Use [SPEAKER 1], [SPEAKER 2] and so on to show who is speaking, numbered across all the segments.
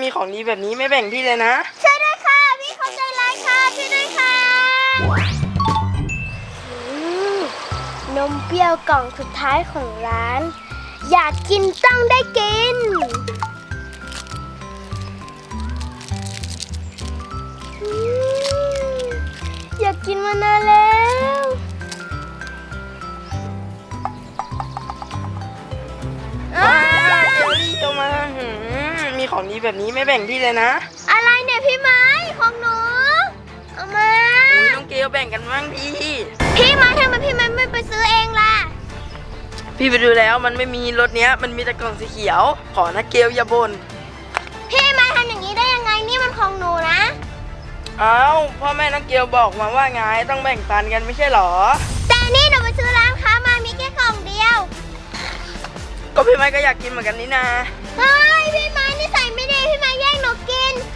[SPEAKER 1] มีของดีแบบนี้ไม่แบ่งพี่เลยนะ
[SPEAKER 2] ช่วยด้วยค่ะพี่เขาใจร้ายค่ะช่วยด้วยค่ะนมเปรี้ยวกล่องสุดท้ายของร้านอยากกินต้องได้กินอยากกินมานานแล้ว
[SPEAKER 1] เจอรี่จะมามีของดีแบบนี้ไม่แบ่งพี่เลยนะ
[SPEAKER 2] อะไรเนี่ยพี่ไม้ของหนูเอามา
[SPEAKER 1] น้องเกลแบ่งกันบ้างดี
[SPEAKER 2] พี่ไม้ทำไมพี่ไม้ไม่ไปซื้อเองล่ะ
[SPEAKER 1] พี่ไปดูแล้วมันไม่มีรถเนี้ยมันมีแต่กล่องสีเขียวขอนะเกลอย่าบ่น
[SPEAKER 2] พี่ไม้ทำอย่างนี้ได้ยังไงนี่มันของหนูนะ
[SPEAKER 1] อ้าวพ่อแม่น้องเกลบอกมาว่าไงต้องแบ่งปันกันไม่ใช่หรอ
[SPEAKER 2] แต่นี่หนูไปซื้อร้านค้ามามีแค่กล่องเดียว
[SPEAKER 1] ก็พี่ไม้ก็อยากกินเหมือนกันนี่นา
[SPEAKER 2] เฮ้ยพี่ไม้นิสัยไม่ดีพี่ไม้แย่งหนูกิน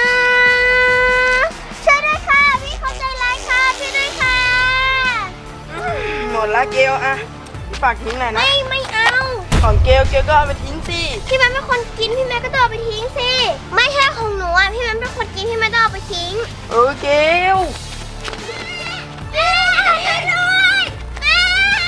[SPEAKER 2] ช่วยด้วยค่ะพี่เขาใจร้ายค่ะช่วยด้วยค่ะ
[SPEAKER 1] หมดละเกลอะพี่ฝากทิ้งหน่อยนะ
[SPEAKER 2] ไม่เอา
[SPEAKER 1] ของเกลก็เอาไปทิ้งสิ
[SPEAKER 2] พี่ไม้เป็นคนกินพี่ไม้ก็ต้องเอาไปทิ้งสิไม่ใช่ของหนูอ่ะพี่ไม้เป็นคนกินพี่ไม้ต้องเอาไปทิ้ง
[SPEAKER 1] เกล
[SPEAKER 2] แม่ช่วยด้วยแม่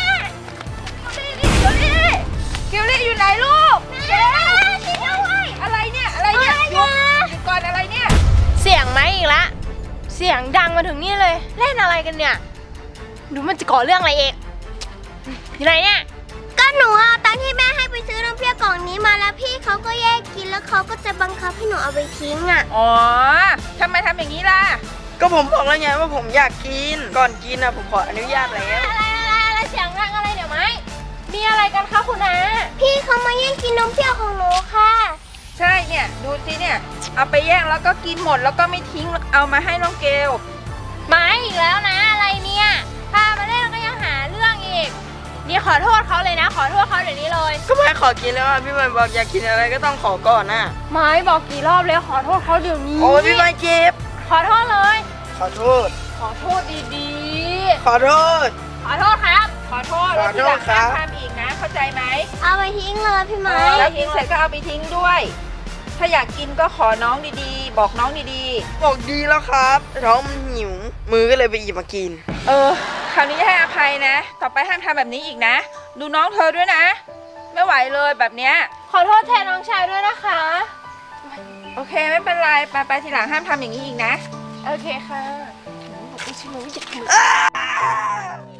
[SPEAKER 3] เกลลี่อยู่ไหนลูก
[SPEAKER 2] เกล
[SPEAKER 3] อะไรเนี่ยหยุดก่อนอะไรเนี่ย
[SPEAKER 4] เสียงไหมอีกละเสียงดังมาถึงนี่เลยเล่นอะไรกันเนี่ยดูมันจะก่อเรื่องอะไรเองอยู่ไหนเนี่ย
[SPEAKER 2] ก็หนูเอาตังค์ที่แม่ให้ไปซื้อนมเปรี้ยวกล่องนี้มาแล้วพี่เขาก็แยกกินแล้วเขาก็จะบังคับให้หนูเอาไปทิ้งอ่ะ
[SPEAKER 3] อ๋อทำไมทำอย่างนี้ล่ะ
[SPEAKER 1] ก็ผมบอกแล้วไงว่าผมอยากกินก่อนกินนะผมขออนุญาตแล้ว
[SPEAKER 4] อะไรเสียงดังอะไรเดี๋ยวไหมมีอะไรกันคะคุณน้า
[SPEAKER 2] พี่เขามาแย่งกินนมเปรี้ยวของหนูค่ะ
[SPEAKER 3] ใช่เนี่ยดูสิเนี่ยเอาไปแย่งแล้วก็กินหมดแล้วก็ไม่ทิ้งเอามาให้น้องเกล
[SPEAKER 4] ไม่อีกแล้วนะอะไรเนี่ยพามาเล่นแล้วก็ยังหาเรื่องอีกนี่ขอโทษเขาเลยนะขอโทษเขาเดี๋ยวนี้เลย
[SPEAKER 1] ก็ไม่ขอกินแล้วพี่ไม้บอกอยากกินอะไรก็ต้องขอก่อนนะ
[SPEAKER 4] ไม่บอกกี่รอบแล้วขอโทษเขาเดี๋ยวนี้
[SPEAKER 1] โอ้พี่ไม้เจ็บ
[SPEAKER 4] ขอโทษเลย
[SPEAKER 1] ขอโทษ
[SPEAKER 4] ดี
[SPEAKER 1] ขอโทษ
[SPEAKER 4] ครับ
[SPEAKER 3] ขอโทษแล้วทีหลังห้ามทำอีกนะเข้าใจไหม
[SPEAKER 2] เอาไปทิ้งเลยพี่ไม้
[SPEAKER 3] แล้วทิ้งเสร็จก็เอาไปทิ้งด้วยถ้าอยากกินก็ขอน้องดีๆบอกน้องดี
[SPEAKER 1] ๆบอกดีแล้วครับท้องมันหิวมือก็เลยไปหยิบมากิน
[SPEAKER 3] คราวนี้ให้อภัยนะต่อไปห้ามทำแบบนี้อีกนะดูน้องเธอด้วยนะไม่ไหวเลยแบบเนี้ย
[SPEAKER 4] ขอโทษแทนน้องชายด้วยนะคะ
[SPEAKER 3] โอเคไม่เป็นไรไปทีหลังห้ามทำอย่างนี้อีกนะ
[SPEAKER 4] โอเคค่ะบอกไม่ใช่น้องอยากทำ